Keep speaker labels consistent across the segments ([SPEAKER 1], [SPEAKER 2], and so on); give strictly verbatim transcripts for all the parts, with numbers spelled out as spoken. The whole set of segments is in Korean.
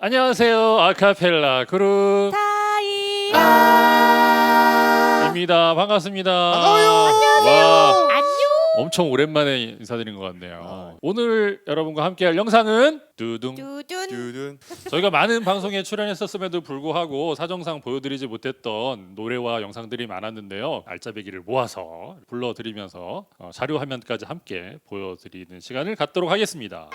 [SPEAKER 1] 안녕하세요. 아카펠라 그룹
[SPEAKER 2] 타이입니다.
[SPEAKER 1] 반갑습니다.
[SPEAKER 3] 반가워요.
[SPEAKER 1] 와,
[SPEAKER 2] 안녕.
[SPEAKER 1] 엄청 오랜만에 인사드린 것 같네요.
[SPEAKER 3] 아.
[SPEAKER 1] 오늘 여러분과 함께할 영상은 두둥.
[SPEAKER 2] 두둔.
[SPEAKER 3] 듀든.
[SPEAKER 1] 저희가 많은 방송에 출연했었음에도 불구하고 사정상 보여드리지 못했던 노래와 영상들이 많았는데요. 알짜배기를 모아서 불러드리면서 어, 자료 화면까지 함께 보여드리는 시간을 갖도록 하겠습니다.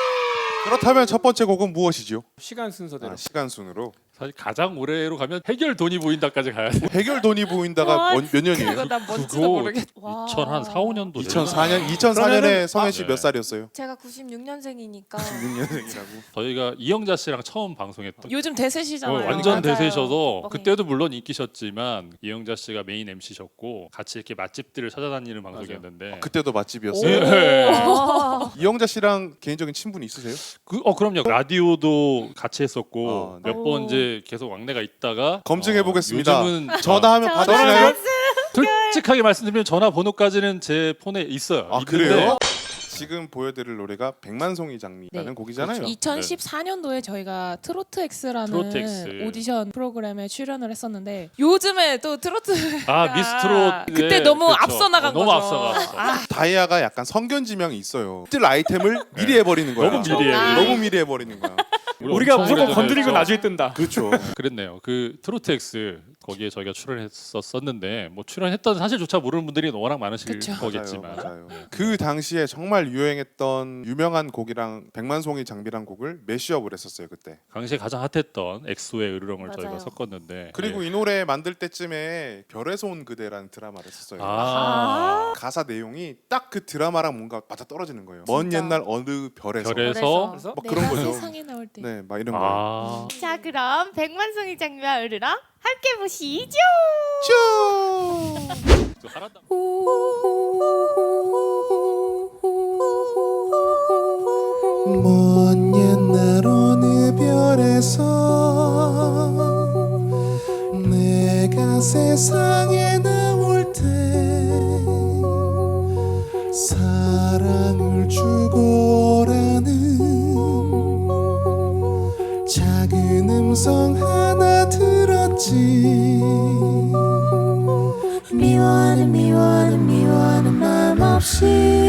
[SPEAKER 3] 그렇다면 첫 번째 곡은 무엇이죠?
[SPEAKER 4] 시간 순서대로.
[SPEAKER 3] 아, 시간 순으로.
[SPEAKER 1] 사실 가장 올해로 가면 해결 돈이 보인다까지 가야 돼요.
[SPEAKER 3] 해결 돈이 보인다가
[SPEAKER 2] 와,
[SPEAKER 3] 몇, 몇 년이에요?
[SPEAKER 2] 그거 난 뭔지도
[SPEAKER 1] 그거
[SPEAKER 2] 모르겠.
[SPEAKER 1] 이천사, 오 년도
[SPEAKER 3] 이천사 년 이천사 년에 성현 씨
[SPEAKER 1] 네.
[SPEAKER 3] 몇 살이었어요?
[SPEAKER 2] 제가 구십육 년생이니까
[SPEAKER 3] 육 년생이라고.
[SPEAKER 1] 저희가 이영자 씨랑 처음 방송했던
[SPEAKER 2] 요즘
[SPEAKER 1] 어,
[SPEAKER 2] 대세시잖아요.
[SPEAKER 1] 완전
[SPEAKER 2] 맞아요.
[SPEAKER 1] 대세셔서
[SPEAKER 2] 네.
[SPEAKER 1] 그때도 물론 인기셨지만 이영자 씨가 메인 엠씨셨고 같이 이렇게 맛집들을 찾아다니는 방송이었는데
[SPEAKER 3] 아, 그때도 맛집이었어요.
[SPEAKER 1] 네.
[SPEAKER 2] 오.
[SPEAKER 3] 이영자 씨랑 개인적인 친분이 있으세요?
[SPEAKER 1] 그, 어 그럼요 라디오도 같이 했었고
[SPEAKER 3] 어, 네.
[SPEAKER 1] 몇 번 이제 계속 왕래가 있다가
[SPEAKER 3] 검증해 보겠습니다.
[SPEAKER 1] 어, 요즘은
[SPEAKER 3] 전화하면
[SPEAKER 2] 전화
[SPEAKER 3] 받으시나요?
[SPEAKER 1] 솔직하게 말씀드리면 전화번호까지는 제 폰에 있어요.
[SPEAKER 3] 아
[SPEAKER 1] 있는데
[SPEAKER 3] 그래요? 지금 보여드릴 노래가 백만송이 장미라는
[SPEAKER 2] 네.
[SPEAKER 3] 곡이잖아요.
[SPEAKER 1] 그렇죠.
[SPEAKER 2] 이천십사 년도에 저희가 트로트 X라는
[SPEAKER 1] 트로트 X.
[SPEAKER 2] 오디션 프로그램에 출연을 했었는데 요즘에 또 트로트
[SPEAKER 1] 아 미스트롯
[SPEAKER 2] 그때 너무 앞서 나간
[SPEAKER 1] 너무
[SPEAKER 2] 거죠.
[SPEAKER 1] 앞서갔어.
[SPEAKER 2] 아,
[SPEAKER 3] 다이아가 약간 성견 지명이 있어요. 뜰 아이템을 미리 해버리는 거야.
[SPEAKER 1] 너무 미리 해.
[SPEAKER 3] 너무 미리 해버리는 거야.
[SPEAKER 4] 우리가
[SPEAKER 1] 엄청
[SPEAKER 4] 무조건
[SPEAKER 1] 오래전에
[SPEAKER 4] 건드리고
[SPEAKER 1] 했죠.
[SPEAKER 4] 나중에 뜬다.
[SPEAKER 3] 그렇죠.
[SPEAKER 1] 그랬네요. 그 트로트 X 거기에 저희가 출연했었었는데 뭐 출연했던 사실조차 모르는 분들이 워낙 많으실
[SPEAKER 2] 그쵸.
[SPEAKER 1] 거겠지만
[SPEAKER 3] 맞아요, 맞아요. 그 당시에 정말 유행했던 유명한 곡이랑 백만송이 장미란 곡을 매시업을 했었어요 그때.
[SPEAKER 1] 당시에 가장 핫했던 엑소의 으르렁을
[SPEAKER 2] 맞아요.
[SPEAKER 1] 저희가 섞었는데
[SPEAKER 3] 그리고
[SPEAKER 1] 예.
[SPEAKER 3] 이 노래 만들 때쯤에 별에서 온 그대라는 드라마를 했었어요.
[SPEAKER 1] 아,
[SPEAKER 3] 가사 내용이 딱 그 드라마랑 뭔가 맞아 떨어지는 거예요. 먼
[SPEAKER 2] 진짜.
[SPEAKER 3] 옛날 어느 별에서.
[SPEAKER 1] 별에서
[SPEAKER 2] 그래서
[SPEAKER 3] 막
[SPEAKER 2] 내가
[SPEAKER 3] 그런 거죠.
[SPEAKER 2] 세상에 나올 때
[SPEAKER 3] 네, 막 이런 거.
[SPEAKER 1] 아
[SPEAKER 5] 자 그럼 백만송이 장미와 으르렁 함께 보시죠.
[SPEAKER 3] 쭈!
[SPEAKER 1] 또 하란다.
[SPEAKER 6] 먼 옛날 어느 별에서 내가 세상에 나올 때 사랑을 주고라는 작은 음성 하나 들었지. 미워하는 미워하는 미워하는 마음 없이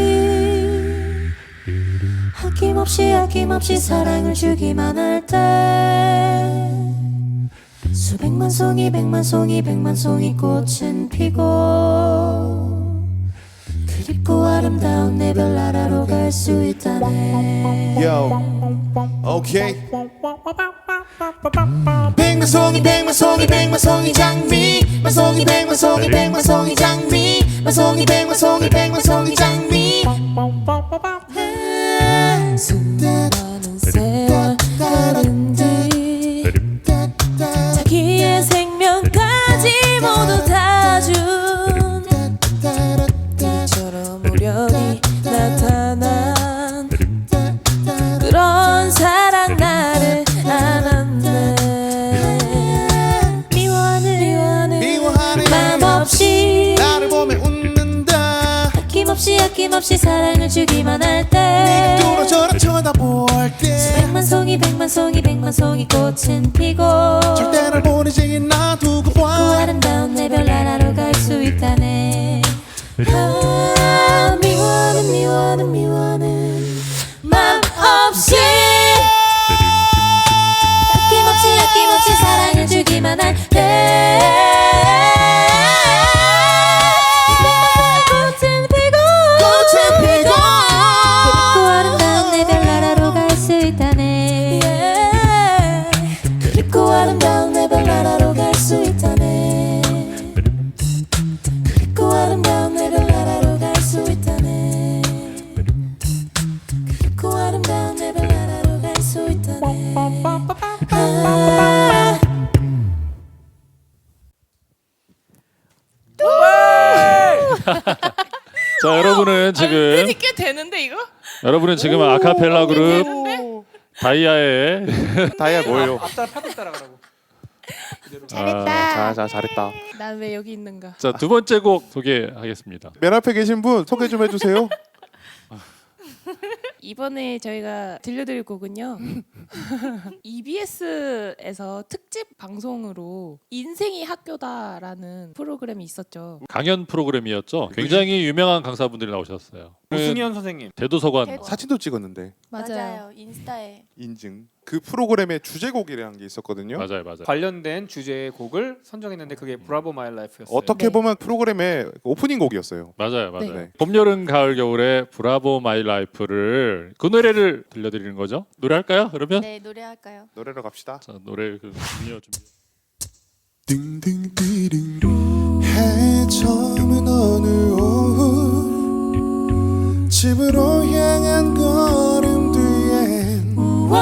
[SPEAKER 6] 아낌없이 아낌없이 사랑을 주기만 할 때 수백만 송이 백만 송이 백만 송이 꽃은 피고 그립고 아름다운 내 별나라로 갈 수 있다네.
[SPEAKER 3] Yo. 오케이.
[SPEAKER 6] 백만 송이 백만 송이 백만 송이 장미 만송이 백만 송이 백만 송이 장미 만송이 백만 송이 백만 송이 장미
[SPEAKER 2] 수많은 세월 다른 뒤 자기의 생명까지 모두 다준 이처럼 우연히 나타난 그런 사랑 나를 안았네. 미워하는 미워하는
[SPEAKER 6] 미워하는
[SPEAKER 2] 맘 없이
[SPEAKER 6] 나를 보며 웃는다.
[SPEAKER 2] 아낌없이 아낌없이 사랑을 주기만 할때
[SPEAKER 6] 뚫어져라 쳐다볼 때
[SPEAKER 2] 백만 송이 백만 송이 백만 송이 꽃은 피고
[SPEAKER 6] 절대 날 보내지 놔두고
[SPEAKER 2] 그
[SPEAKER 6] 봐.
[SPEAKER 2] 아름다운 내 별나라로 갈 수 있다네. 아, 미워하는 미워하는 미워하는 맘 없이 아낌없이 아낌없이 사랑을 주기만 할때 꽃은 피고
[SPEAKER 6] 꽃은 피고
[SPEAKER 2] 그리고 아름다운 내 별나라로 갈 수 있다네. 그리고 아름다운 내 별나라로 갈 수 있다네. 그리고 아름다운 내 별나라로 갈 수 있다네. 그리고 아름다운 내 별나라로 갈 수 있다네. 아.
[SPEAKER 1] 자 여러분은 지금
[SPEAKER 2] 꽤 되는데 이거?
[SPEAKER 1] 여러분은 지금 아카펠라 그룹 다이아의
[SPEAKER 3] 다이아 뭐예요?
[SPEAKER 4] 앞따라 파도 따라가라고.
[SPEAKER 3] 아, 자, 자, 잘했다.
[SPEAKER 2] 난 왜 여기 있는가?
[SPEAKER 1] 자 두 번째 곡 소개하겠습니다.
[SPEAKER 3] 맨 앞에 계신 분 소개 좀 해주세요.
[SPEAKER 4] 이번에 저희가 들려드릴 곡은요. 이비에스에서 특집 방송으로 인생이 학교다라는 프로그램이 있었죠.
[SPEAKER 1] 강연 프로그램이었죠. 굉장히 유명한 강사분들이 나오셨어요.
[SPEAKER 7] 오승현 선생님.
[SPEAKER 1] 대도서관
[SPEAKER 5] 대도-
[SPEAKER 3] 사진도 찍었는데
[SPEAKER 5] 맞아요. 인스타에
[SPEAKER 3] 인증. 그 프로그램의 주제곡이라는 게 있었거든요.
[SPEAKER 1] 맞아요, 맞아요.
[SPEAKER 7] 관련된 주제의 곡을 선정했는데 그게 브라보 마이 라이프였어요.
[SPEAKER 3] 어떻게
[SPEAKER 4] 네.
[SPEAKER 3] 보면 프로그램의 오프닝 곡이었어요.
[SPEAKER 1] 맞아요, 맞아요.
[SPEAKER 3] 네.
[SPEAKER 1] 봄, 여름, 가을, 겨울에 브라보 마이 라이프를 그 노래를 들려드리는 거죠. 노래할까요? 그러면
[SPEAKER 5] 네 노래할까요?
[SPEAKER 3] 노래로 갑시다.
[SPEAKER 1] 자, 노래 그 준비요, 준비.
[SPEAKER 6] 딩딩디딩 해저문 어느 오후 집으로 향한 걸음 뒤엔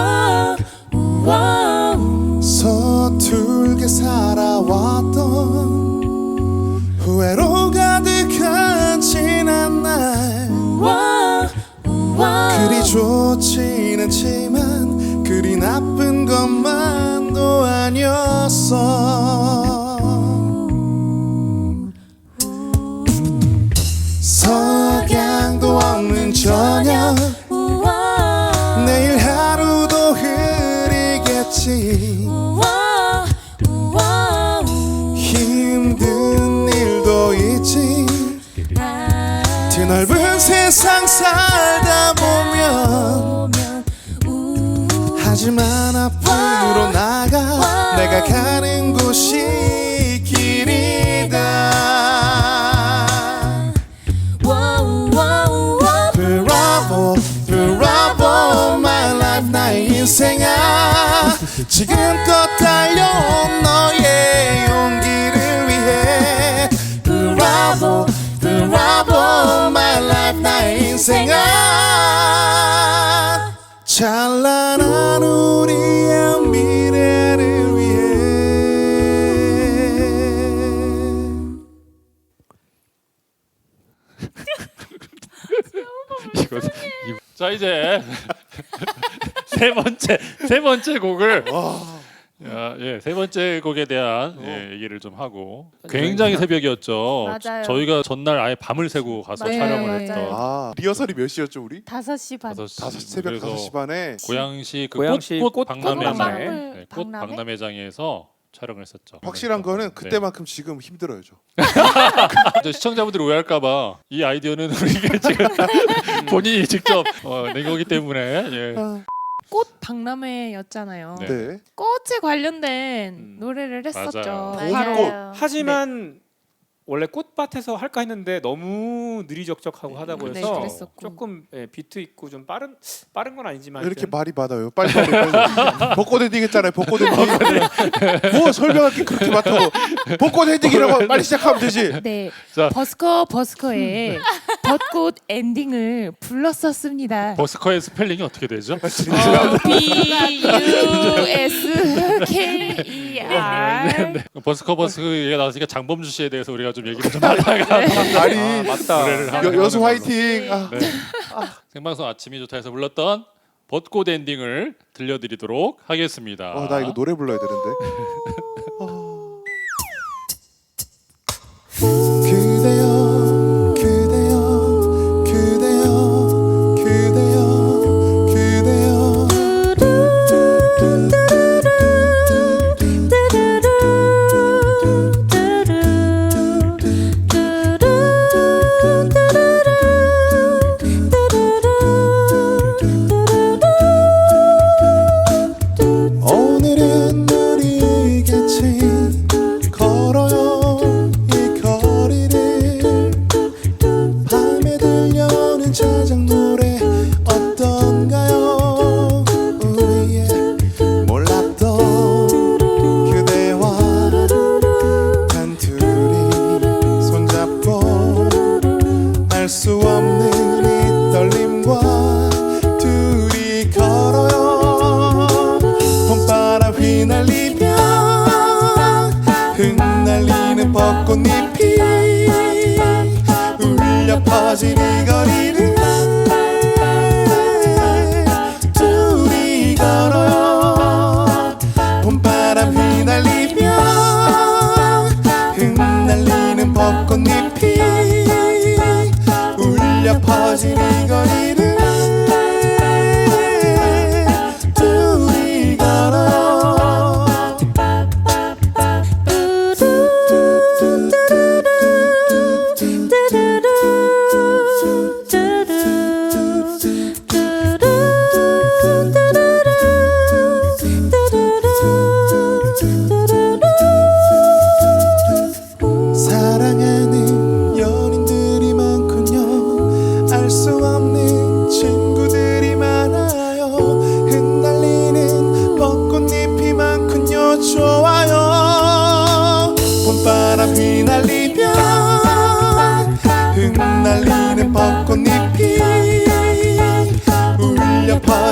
[SPEAKER 6] 서툴게 살아왔던 후회로 가득한 지난 날 그리 좋진 않지만 그리 나쁜 것만도 아니었어. 석양도 없는 저녁 내일 하루도 흐리겠지. 힘든 일도 있지. 드넓은 세상 살다 보면 하지만 앞으로 나가 내가 가는 곳이 길이다. 브라보 브라보 my life 나의 인생아 지금껏 달려온 너의 용기를 위해 브라보 브라보 my life 나의 인생아 찬란한 우리의 미래를 위해.
[SPEAKER 1] 이거, 이거. 자 이제 세 번째 세 번째 곡을 야, 예, 세 번째 곡에 대한 예, 얘기를 좀 하고 굉장히 새벽이었죠.
[SPEAKER 5] 맞아요.
[SPEAKER 1] 저희가 전날 아예 밤을 새고 가서
[SPEAKER 4] 네,
[SPEAKER 1] 촬영을
[SPEAKER 4] 맞아요.
[SPEAKER 1] 했던
[SPEAKER 3] 아 리허설이 몇 시였죠 우리?
[SPEAKER 5] 다섯 시 반.
[SPEAKER 1] 다섯 시
[SPEAKER 3] 다섯 새벽
[SPEAKER 1] 그래서
[SPEAKER 3] 다섯 시 반에
[SPEAKER 1] 고양시 그
[SPEAKER 7] 고양시
[SPEAKER 1] 꽃,
[SPEAKER 7] 꽃
[SPEAKER 1] 박람회장
[SPEAKER 7] 박람회.
[SPEAKER 1] 네, 꽃
[SPEAKER 5] 박람회?
[SPEAKER 1] 박람회장에서 촬영을 했었죠.
[SPEAKER 3] 확실한 거는
[SPEAKER 1] 네.
[SPEAKER 3] 그때만큼 지금 힘들어요. 저.
[SPEAKER 1] 이제 시청자분들이 오해할까봐 이 아이디어는 우리가 지금 본인이 직접 어, 낸 거기 때문에 예.
[SPEAKER 4] 꽃 박람회였잖아요.
[SPEAKER 1] 네.
[SPEAKER 3] 네.
[SPEAKER 4] 꽃에 관련된
[SPEAKER 7] 음.
[SPEAKER 4] 노래를 했었죠.
[SPEAKER 1] 맞아요.
[SPEAKER 5] 맞아요.
[SPEAKER 7] 하지만 원래 꽃밭에서 할까 했는데 너무 느리적적하고 하다고
[SPEAKER 4] 네,
[SPEAKER 7] 해서
[SPEAKER 4] 그랬었고.
[SPEAKER 7] 조금 예, 비트 있고 좀 빠른 빠른 건 아니지만
[SPEAKER 3] 왜 이렇게
[SPEAKER 7] 하여튼
[SPEAKER 3] 말이 많아요? 빨리 빨리 빨리. 벚꽃 엔딩 했잖아요. 벚꽃 엔딩. 뭐 설명할 게 그렇게 많다고. 벚꽃 엔딩이라고 빨리 시작하면 되지.
[SPEAKER 4] 네,
[SPEAKER 1] 자.
[SPEAKER 4] 버스커 버스커의 벚꽃 엔딩을 불렀었습니다.
[SPEAKER 1] 버스커의 스펠링이 어떻게 되죠?
[SPEAKER 4] 어, B U S K E R
[SPEAKER 1] 버스커 버스커 얘기가 나왔으니까 장범주 씨에 대해서 우리가 좀 얘기를 좀 하다가
[SPEAKER 3] 아니
[SPEAKER 7] 아, 맞다.
[SPEAKER 1] 노래를 하는
[SPEAKER 3] 여, 여수
[SPEAKER 1] 걸로.
[SPEAKER 3] 화이팅. 아.
[SPEAKER 1] 네. 생방송 아침이 좋다 해서 불렀던 벚꽃 엔딩을 들려드리도록 하겠습니다.
[SPEAKER 3] 어, 나 이거 노래 불러야 되는데.
[SPEAKER 6] 그대여 그대여 그대여 그대여 그대여 오늘은 우리 같이 걸어요 이 거리를 밤에 들려오는 저녁 노래 어떤가요 우리의 몰랐던 그대와 단둘이 손잡고 알 수 없는 이 떨림과 둘이 걸어요 봄바람 휘날리며 흩날리는 벚꽃잎이 울려 퍼질 이 거리를 둘이 걸어요 봄바람 휘날리며 흩날리는 벚꽃잎이 울려 퍼질 이 거리를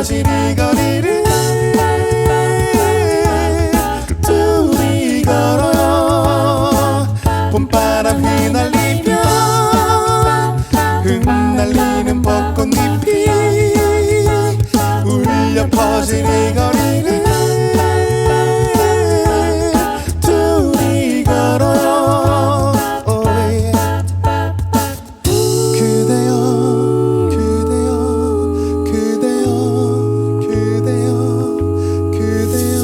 [SPEAKER 6] 퍼진 이 거리를 둘이 걸어요. 봄바람 휘날리며 흩날리는 벚꽃잎이 울려 퍼진 이 거리를 둘이 걸어요. Oh yeah. 그대여 그대여 그대여 그대여 그대여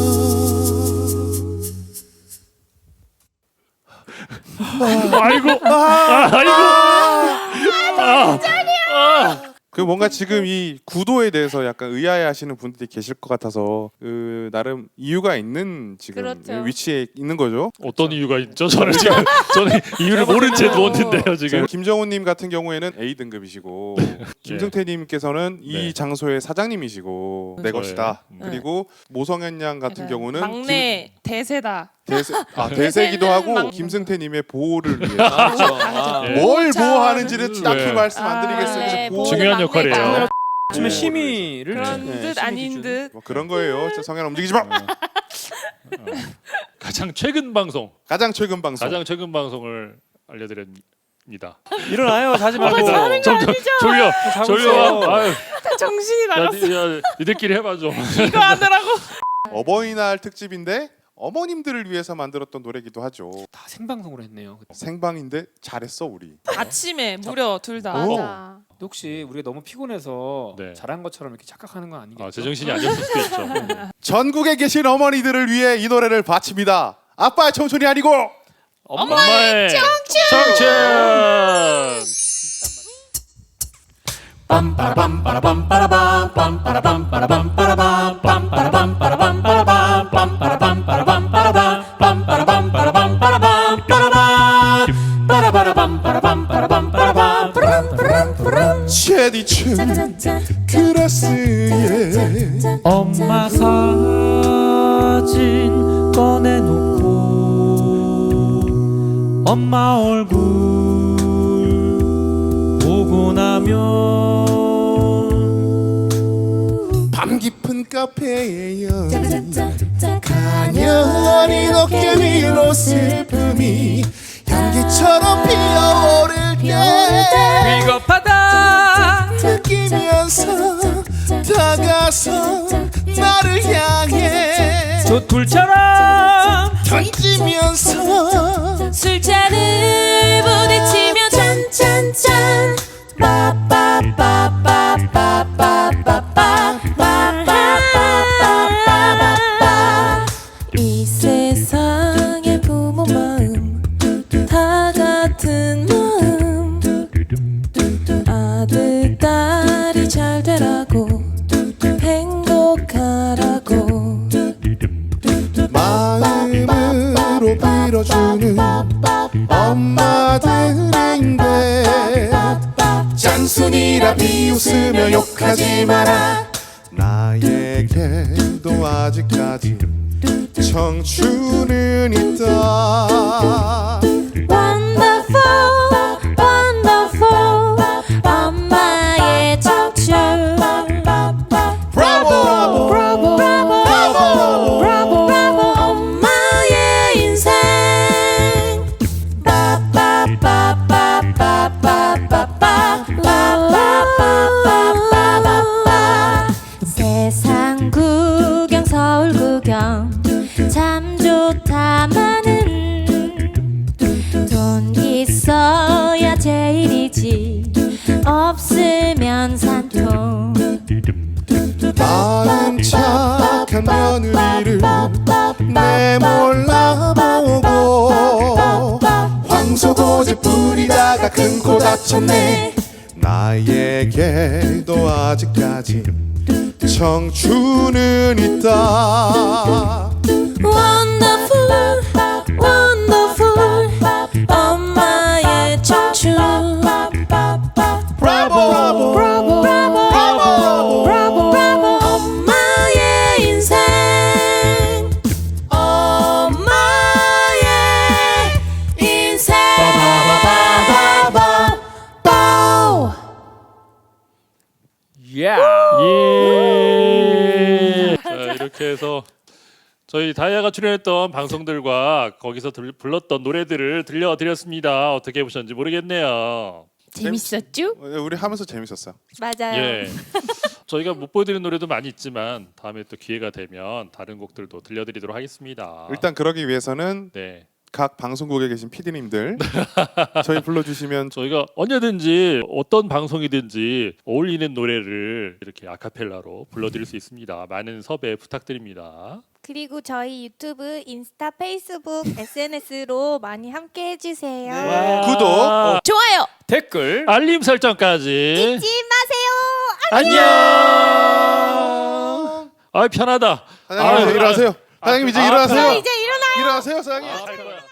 [SPEAKER 1] 아이고, 아, 아이고. 아, 아.
[SPEAKER 3] 그 뭔가 지금 이 구도에 대해서 약간 의아해하시는 분들이 계실 것 같아서 그 나름 이유가 있는 지금
[SPEAKER 5] 그렇죠.
[SPEAKER 3] 위치에 있는 거죠.
[SPEAKER 1] 어떤 이유가 있죠? 저는 지금 저는 이유를 모른 채 누웠는데요 지금.
[SPEAKER 3] 김정훈님 같은 경우에는 A 등급이시고 김승태님께서는 이
[SPEAKER 1] 네.
[SPEAKER 3] 김장소의 사장님이시고 내
[SPEAKER 1] 저예요.
[SPEAKER 3] 것이다.
[SPEAKER 1] 음.
[SPEAKER 3] 그리고 모성현 양 같은
[SPEAKER 4] 맞아요.
[SPEAKER 3] 경우는
[SPEAKER 4] 막내 대세다.
[SPEAKER 3] 김, 대세, 아, 대세기도 하고
[SPEAKER 5] 막-
[SPEAKER 3] 김승태님의 보호를 위해서
[SPEAKER 7] 그렇죠. 아,
[SPEAKER 1] 예.
[SPEAKER 3] 뭘
[SPEAKER 4] 보호자.
[SPEAKER 3] 보호하는지를 딱히
[SPEAKER 1] 네.
[SPEAKER 3] 말씀 안 드리겠어요.
[SPEAKER 4] 아,
[SPEAKER 3] 그래서
[SPEAKER 5] 네,
[SPEAKER 3] 보호-
[SPEAKER 1] 중요한 역할이에요.
[SPEAKER 5] 막내죠.
[SPEAKER 7] 아침에
[SPEAKER 3] 네.
[SPEAKER 7] 심의를
[SPEAKER 4] 그런
[SPEAKER 7] 네,
[SPEAKER 4] 듯
[SPEAKER 7] 심의
[SPEAKER 4] 아닌
[SPEAKER 7] 기준.
[SPEAKER 4] 듯.
[SPEAKER 3] 뭐 그런 거예요. 진짜 성현 움직이지 마.
[SPEAKER 1] 가장 최근 방송,
[SPEAKER 3] 가장 최근 방송.
[SPEAKER 1] 가장 최근 방송을 알려드립니다.
[SPEAKER 7] 일어나요. 자지 말고.
[SPEAKER 1] 점점 졸려,
[SPEAKER 7] 자고
[SPEAKER 1] 졸려.
[SPEAKER 7] 있어.
[SPEAKER 1] 아유,
[SPEAKER 4] 정신이
[SPEAKER 1] 야,
[SPEAKER 4] 나갔어.
[SPEAKER 1] 니, 야, 니들끼리 해봐 좀.
[SPEAKER 4] 이거 하느라고.
[SPEAKER 3] 어버이날 특집인데 어머님들을 위해서 만들었던 노래기도 하죠.
[SPEAKER 7] 다 생방송으로 했네요.
[SPEAKER 3] 생방인데 잘했어 우리.
[SPEAKER 4] 아침에 무려 둘 다.
[SPEAKER 3] 오.
[SPEAKER 5] 맞아.
[SPEAKER 7] 근데 혹시 우리가 너무 피곤해서
[SPEAKER 1] 네.
[SPEAKER 7] 잘한 것처럼 이렇게 착각하는 건 아니겠죠?
[SPEAKER 1] 아, 제정신이 아니었을 수도 있죠.
[SPEAKER 3] 전국에 계신 어머니들을 위해 이 노래를 바칩니다. 아빠의 청춘이 아니고
[SPEAKER 1] 엄마의 청춘. 청춘.
[SPEAKER 3] 제디춘
[SPEAKER 2] 짜자잔
[SPEAKER 3] 그라스에
[SPEAKER 8] 엄마 사진 꺼내놓고 엄마 얼굴 보고 나면
[SPEAKER 3] 밤 깊은 카페에요
[SPEAKER 2] 짜자잔
[SPEAKER 3] 가녀린 어깨 위로 슬픔이 향기처럼 피어오를 때
[SPEAKER 8] 비겁하다
[SPEAKER 3] 느끼면서 다가서 나를 향해
[SPEAKER 8] 조툴처럼
[SPEAKER 3] 던지면서
[SPEAKER 2] 술잔을 부딪히며 짠짠짠 빠빠빠빠빠빠빠빠빠빠빠빠빠빠 이 세상의 부모 마음 다 같은 마음 아들 딸이 잘 되라고 행복하라고
[SPEAKER 3] 마음으로 빌어주는 엄마들인데 잔순이라 비웃으며 욕하지 마라 나에게도 아직까지 청춘은 있다
[SPEAKER 2] Wonderful, wonderful 엄마의 청춘
[SPEAKER 3] 브라보
[SPEAKER 2] 브라보 브라보 브라보 브라보 엄마의 인생 빠빠빠빠빠빠빠빠빠빠빠빠빠 세상 구경 서울 구경 참 좋다마는 돈 있어야 제일이지 없으면 산통
[SPEAKER 3] 마음 착한 며느리를 내몰라보고 황소고집 부리다가 큰 코 다쳤네 나에게도 아직까지 청춘은 있다
[SPEAKER 2] Wonderful, wonderful 엄마의 청춘
[SPEAKER 3] 브라보
[SPEAKER 2] 브라보 브라보 브라보 브라보 엄마의 인생 엄마의 인생
[SPEAKER 7] 야.
[SPEAKER 1] 예. 그래서 저희 다이아가 출연했던 방송들과 거기서 들, 불렀던 노래들을 들려드렸습니다. 어떻게 보셨는지 모르겠네요.
[SPEAKER 4] 재밌었죠?
[SPEAKER 3] 우리 하면서 재밌었어요.
[SPEAKER 5] 맞아요.
[SPEAKER 1] 예. 저희가 못 보여드리는 노래도 많이 있지만 다음에 또 기회가 되면 다른 곡들도 들려드리도록 하겠습니다.
[SPEAKER 3] 일단 그러기 위해서는
[SPEAKER 1] 네.
[SPEAKER 3] 각 방송국에 계신 피디님들 저희 불러주시면
[SPEAKER 1] 저희가 언제든지 어떤 방송이든지 어울리는 노래를 이렇게 아카펠라로 불러드릴 수 있습니다. 많은 섭외 부탁드립니다.
[SPEAKER 5] 그리고 저희 유튜브, 인스타, 페이스북, 에스엔에스로 많이 함께 해주세요.
[SPEAKER 1] 와.
[SPEAKER 3] 구독.
[SPEAKER 4] 좋아요.
[SPEAKER 7] 댓글
[SPEAKER 1] 알림 설정까지.
[SPEAKER 5] 잊지 마세요.
[SPEAKER 1] 안녕. 아 편하다.
[SPEAKER 3] 사장님 이제
[SPEAKER 1] 아,
[SPEAKER 3] 일어나세요. 사장님 이제
[SPEAKER 1] 아,
[SPEAKER 3] 일어나세요.
[SPEAKER 5] 이제 일어나.
[SPEAKER 3] 일어나세요, 사장님.
[SPEAKER 1] 아, 할 거야.